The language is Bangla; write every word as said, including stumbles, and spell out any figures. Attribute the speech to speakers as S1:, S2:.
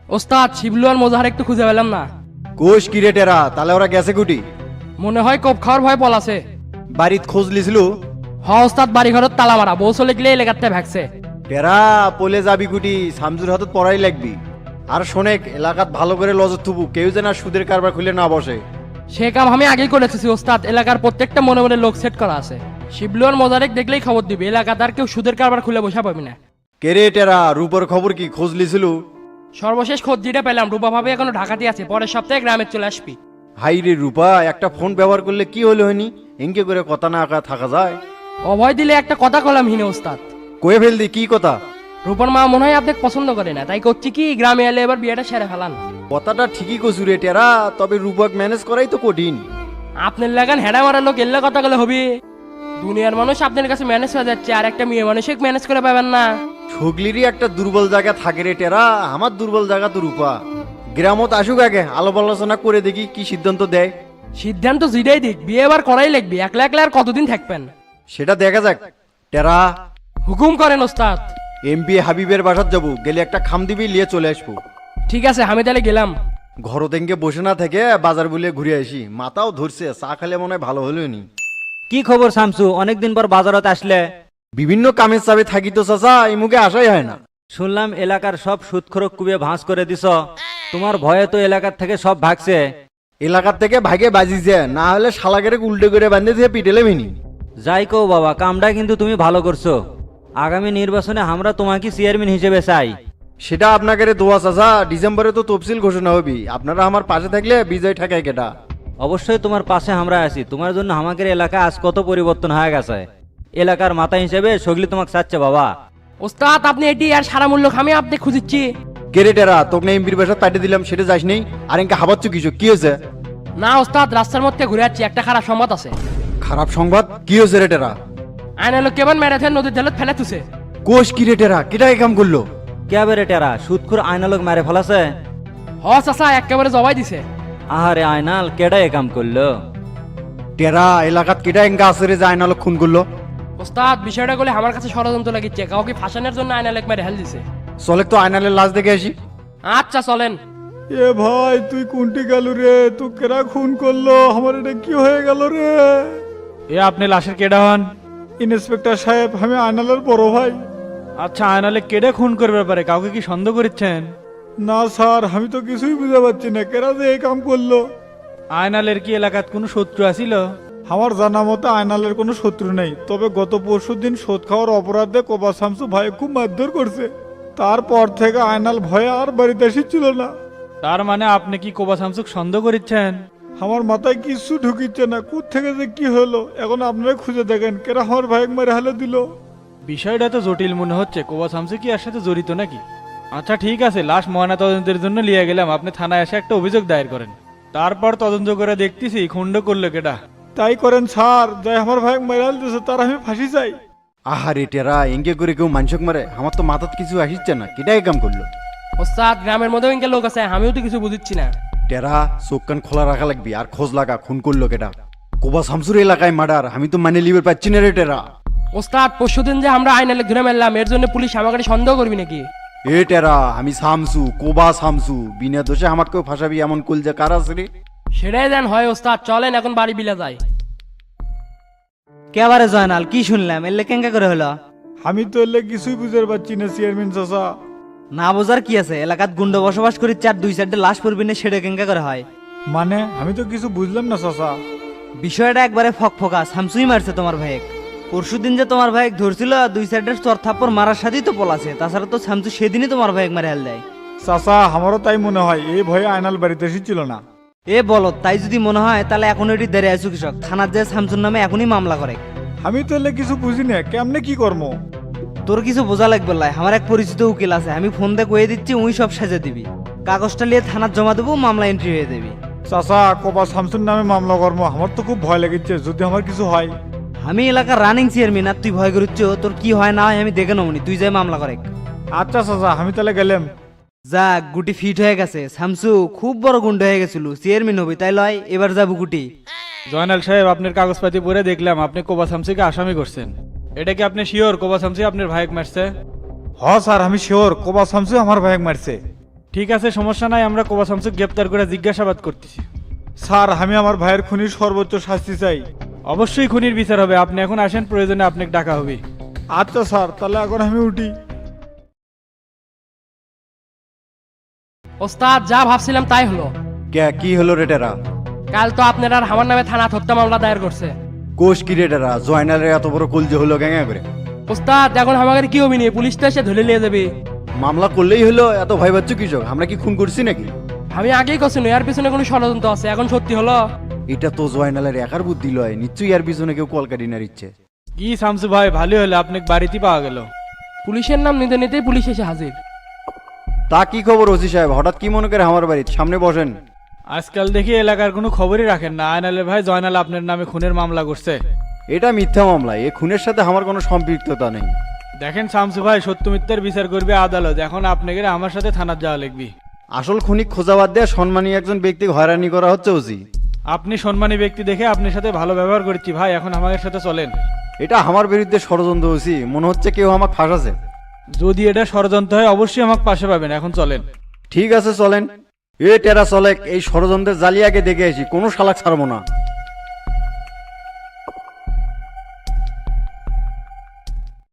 S1: ওস্তাদ শিবলু আর মোজাহার একটু খুঁজে পেলাম না।
S2: কোষ কি রে টেরা, তাহলে ওরা গেছে কুটি?
S1: মনে হয় কোপ খাওয়ার ভয় পলাছে।
S2: বাড়িত খোঁজ লিছিল?
S1: হ ওস্তাদ, বাড়ি ঘরত তালা মারা, বউ চলে গেলে এলাকাতে ভাগছে।
S2: টেরা পলে যাবি কুটি, শামসুর হাতত পড়াই লাগবি। আর শোনেক, এলাকাত ভালো করে লজত থুবু, কেউ যেন আর সুদের কারবার খুলে না বসে।
S1: সে কাম আমি আগেই করে এসেছি ওস্তাদ, এলাকার প্রত্যেকটা মনে মনে লোক সেট করা আছে। শিবলু আর মোজারেক দেখলেই খবর দিবি, এলাকাতে আর কেউ সুদের কারবার খুলে বসা পাবি না।
S2: কে রে টেরা, রূপর খবর কি, খোঁজ লিছিল?
S1: সর্বশেষ খোঁজ যেটা পেলাম, রূপা ভাবে এখনো ঢাকাতে আছে, পরের সপ্তাহে গ্রামে চলে আসবি।
S2: হাই রে রূপা, একটা ফোন ব্যবহার করলে কি হলো হয়নি? এঙ্কে করে কথা না আঁকা থাকা যায়?
S1: অভয় দিলে একটা কথা কলাম হিনে ওস্তাদ।
S2: কয়ে ফেলদি, কি কথা?
S1: রূপার মা মনে হয় আপনাকে পছন্দ করে না, তাই করছি কি গ্রামে এলে এবার বিয়েটা সেরে ফেলান।
S2: কথাটা ঠিকই কছু রে টেরা, তবে রূপক ম্যানেজ করাই তো কঠিন।
S1: আপনার লাগান হেডা মারা লোক এলে কথা গেলে হবে। দুনিয়ার মানুষ আপনার কাছে ম্যানেজ হয়ে যাচ্ছে, আর একটা মেয়ে মানুষকে ম্যানেজ করে পাবেন না।
S2: ছগলিরই একটা দুর্বল জায়গা থাকে রে টেরা, আমার দুর্বল জায়গা তো রূপা। গ্রামত আসুক আগে, আলাপ আলোচনা করে দেখি কি সিদ্ধান্ত দেয়।
S1: সিদ্ধান্ত জিডাই দিক, বিয়ে এবার করাই লাগবে, একলা একলা আর কতদিন থাকবেন?
S2: সেটা দেখা যাক। টেরা,
S1: হুকুম করেন ওস্তাদ।
S2: এমপি হাবিবের বাসাত যাবো, গেলে একটা খাম দিবি, লিয়ে চলে আসবো।
S1: ঠিক আছে, আমি তাহলে গেলাম।
S2: ঘর থেকে বসে না থেকে বাজার বলে ঘুরে আসি, মাথাও ধরছে, চা খেলে মনে হয় ভালো হলো নি।
S3: কি খবর শামসু, অনেকদিন পর বাজারত আসলে?
S2: বিভিন্ন কামের চাপে থাকি তো চাচা, এই মুখে আসাই হয় না।
S3: শুনলাম এলাকার সব সুদখোরক কুবিয়ে ভাঁজ করে দিছ, তোমার ভয়ে তো এলাকার থেকে সব ভাগছে।
S2: এলাকার থেকে ভাগে বাজিছে, না হলে শালাকেরে উল্টে করে বান্ধে দিয়ে পিটেলে ভিনি।
S3: যাই কও বাবা, কামটা কিন্তু তুমি ভালো করছো। আগামী নির্বাচনে আমরা তোমাকে চেয়ারম্যান হিসেবে চাই।
S2: সেটা আপনাকে দোয়া চাচা, ডিসেম্বরে তো তফসিল ঘোষণা হবি, আপনারা আমার পাশে থাকলে বিজয় ঠেকায় কেটা।
S3: অবশ্যই তোমার পাশে আমরা আছি, তোমার জন্য আমাদের এলাকা আজ কত পরিবর্তন হয়ে গেছে। এলাকার মাথা হিসেবে সগলি তোমাকে চাচ্ছে বাবা।
S1: ওস্তাদ আপনি এটি আর সারা মূল্য খামি আপনি খুঁজিচ্ছি।
S2: কেরেটেরা তোকে না এমপির বাসা পাঠিয়ে দিলাম, সেটা যাস নেই? আর এনকে হাবাচ্ছ কিছু, কি হয়েছে?
S1: না ওস্তাদ, রাস্তার মধ্যে ঘুরে যাচ্ছি, একটা খারাপ সংবাদ আছে।
S2: খারাপ সংবাদ? কি হয়েছে রেটেরা?
S1: আয়না লোক কেমন ম্যারাথন নদীর জলত ফেলে তুছে।
S2: কোষ কি রেটেরা, কেটাই কাম করলো?
S3: কে বেরে টেরা, সুদখোর আয়নালোক মেরে ফেলাছে?
S1: হ চাচা, একেবারে জবাই দিছে।
S3: আহারে আয়নাল, কেডা এ কাম করলো?
S2: টেরা এলাকাত কেটা এনকা আছে রে যে আয়নালো খুন করলো?
S1: ওস্তাদ বিষয়টা বলে আমার কাছে ষড়যন্ত্র লাগিচ্ছে, কাউকে ফাঁসানোর জন্য আয়না লেক মেরে হেল দিছে।
S2: চলে তো আয়নালের লাশ দেখে আসি।
S1: আচ্ছা চলেন।
S4: এ ভাই, তুই কোনটি গেল রে? তুই কেরা খুন করলো? আমার এটা কি হয়ে গেল রে?
S5: এ আপনি লাশের কেডা হন?
S4: ইন্সপেক্টর সাহেব, আমি আয়নালের বড় ভাই।
S5: আচ্ছা, আয়নালে কেডে খুন করবে পারে, কাউকে কি সন্দেহ করছেন?
S4: না স্যার, আমি তো কিছুই বুঝতে পারছি না কেরা যে এই কাম করলো।
S5: আয়নালের কি এলাকাত কোনো শত্রু আছিল?
S4: আমার জানা মতে আয়নালের কোনো শত্রু নেই, তবে গত পরশু দিন শোধ খাওয়ার অপরাধে কোবা শামসু ভাই খুব মারধর করছে। তারপর থেকে আয়নাল ভয়ে আর বাড়িতে এসেছিল না।
S5: তার মানে আপনি কি কোবা শামসুক সন্দেহ করছেন?
S4: আমার মাথায় কিছু ঢুকিচ্ছে না, কোথ থেকে যে কি হলো। এখন আপনারা খুঁজে দেখেন কেরা আমার ভাই মেরে হালে দিল।
S5: বিষয়টা তো জটিল মনে হচ্ছে, কোবা শামসু কি এর সাথে জড়িত নাকি? আচ্ছা ঠিক আছে, লাশ ময়না তদন্তের জন্য নিয়ে গেলাম, আপনি থানায় এসে একটা অভিযোগ দায়ের করেন। তারপর তদন্ত করে দেখতেছি খুন্ড করলো কেডা।
S4: তাই করেন স্যার, যাই আমার ভাই মেরে হাল দিয়েছে তার আমি ফাঁসি চাই।
S2: আহারে টেরা, এনকে করে কেউ মানসক মারে? আমার তো মাথাত কিছু আসিচ্ছে না, কেটাই কাম করলো?
S1: ওস্তাদ গ্রামের মধ্যেও ইনকে লোক আছে, আমিও তো কিছু বুঝিচ্ছি না।
S2: টেরা চোখ কান খোলা রাখা লাগবি, আর খোঁজ লাগা খুন করলো কেটা। কোবা শামসুর এলাকায় মার্ডার, আমি তো মানে লিবার পাচ্ছি না রে টেরা।
S1: ওস্তাদ পরশুদিন যে আমরা আয়না লেক ধরে মারলাম, এর জন্য পুলিশ আমাকে সন্দেহ করবি নাকি?
S2: এ টেরা, আমি শামসু, কোবা শামসু, বিনা দোষে আমাকেও ফাঁসাবি এমন কুল যে কার আছে রে?
S1: সেটাই দেন হয় ওস্তাদ, চলেন এখন বাড়ি বিলা যায়।
S3: কেবারে জয়নাল, কি শুনলাম এলে কেঙ্কা করে হলো?
S4: আমি তো এলে কিছুই বুঝতে পারছি না চেয়ারম্যান চাচা।
S3: না বোঝার কি আছে, এলাকাত গুন্ড বসবাস করি, চার দুই চারটে লাশ পড়বি না, সেটা কেঙ্কা করে হয়?
S4: মানে আমি তো কিছু বুঝলাম না চাচা।
S3: বিষয়টা একবারে ফক ফকা, শামসুই মারছে তোমার ভাইক। পরশু দিন যে তোমার ভাইক ধরছিল, দুই সাইডের চর থাপ্পর মারার সাথেই তো পলাছে, তাছাড়া তো শামসু সেদিনই তোমার ভাইক মারে হেল দেয়।
S4: চাচা আমারও তাই মনে হয়, এই ভয়ে আয়নাল বাড়িতে এসেছিল না।
S3: এ বলো, তাই যদি মনে হয় তাহলে এখন এটি দেরে আছো কৃষক, থানার যে শামসুর নামে এখনই মামলা করে।
S4: আমি তো এলে কিছু বুঝি না, কেমনে কি কর্ম?
S3: তোর কিছু বোঝা লাগবে লাই, আমার এক পরিচিত উকিল আছে, আমি ফোন দিয়ে কয়ে দিচ্ছি, উই সব সাজে দিবি, কাগজটা নিয়ে থানার জমা দেবো, মামলা এন্ট্রি হয়ে দেবি।
S4: চাচা কোবা শামসুর নামে মামলা কর্ম, আমার তো খুব ভয় লেগেছে, যদি আমার কিছু হয়।
S3: আমি এলাকার রানিং চেয়ারম্যান, আর তুই ভয় করছ? তোর কি হয় না হয় আমি দেখে নমনি, তুই যাই মামলা করে।
S4: আচ্ছা চাচা, আমি তাহলে গেলাম।
S3: যাক, গুটি ফিট হয়ে গেছে, শামসু খুব বড় গুন্ড হয়ে গেছিল, চেয়ারম্যান হবি তাই লয়, এবার যাবো গুটি।
S5: জয়নাল সাহেব, আপনার কাগজপাতি পড়ে দেখলাম আপনি কোবা শামসুকে আসামি করছেন। এটা কি আপনি শিওর কোবা শামসু আপনার ভাইক মারছে?
S4: হ স্যার, আমি শিওর কোবা শামসু আমার ভাই মারছে।
S5: ঠিক আছে, সমস্যা নাই, আমরা কোবা শামসুক গ্রেপ্তার করে জিজ্ঞাসাবাদ করতেছি।
S4: স্যার আমি আমার ভাইয়ের খুনির সর্বোচ্চ শাস্তি চাই।
S5: অবশ্যই খুনির বিচার হবে, আপনি এখন আসেন, প্রয়োজনে আপনাকে ডাকা হবে।
S4: আচ্ছা স্যার, তাহলে এখন আমি উঠি।
S1: ওস্তাদ যা ভাবছিলাম তাই হলো।
S2: কে কি হলো রে টেরা?
S1: কাল তো আপনারা আর আমার নামে থানা হত্যা মামলা দায়ের করছে।
S2: কোষ কি রে টেরা? জয়নালের এত বড় কলজে হলো গ্যাঙ্গা করে?
S1: ওস্তাদ এখন আমাদের কি হবি নি, পুলিশ তো এসে ধরে নিয়ে যাবে।
S2: মামলা করলেই হলো, এত ভয় পাচ্ছ কৃষক? আমরা কি খুন করছি নাকি?
S1: আমি আগেই কছি এর পিছনে কোনো ষড়যন্ত্র আছে, এখন সত্যি হলো।
S2: এটা তো জয়নালের একার বুদ্ধি লয়, নিশ্চয়ই এর পিছনে কেউ কলকাটি না ইচ্ছে।
S5: কি শামসু ভাই, ভালো হলো আপনাকে বাড়িতে পাওয়া গেল।
S1: পুলিশের নাম নিতে নিতেই পুলিশ এসে হাজির।
S2: তা কি খবর ওসি সাহেব, হঠাৎ কি মনে করে আমার বাড়ির সামনে বসেন?
S5: আজকাল দেখি এলাকার কোনো খবরই রাখেন না। আয়নালের ভাই জয়নাল আপনার নামে খুনের মামলা করছে।
S2: এটা মিথ্যা মামলা, এই খুনের সাথে আমার কোনো সম্পৃক্ততা নেই।
S5: দেখেন শামসু ভাই, সত্য মিথ্যার বিচার করবে আদালত, এখন আপনাকে আমার সাথে থানার যাওয়া লাগবে।
S2: আসল খুনি খোঁজাবাদ দিয়ে সম্মানী একজন ব্যক্তিকে হয়রানি করা হচ্ছে ওসি।
S5: আপনি সম্মানী ব্যক্তি দেখে আপনার সাথে ভালো ব্যবহার করছি ভাই, এখন আমাদের সাথে চলেন।
S2: এটা আমার বিরুদ্ধে ষড়যন্ত্র ওসি, মনে হচ্ছে কেউ আমাকে ফাঁসাছে।
S5: যদি এটা ষড়যন্ত্র হয় অবশ্যই আমাকে পাশে পাবেন, এখন চলেন।
S2: ঠিক আছে চলেন। এ টেরা চলেক, এই ষড়যন্ত্রের জালিয়াকে দেখে আসি, কোনো শালাক ছাড়বো না।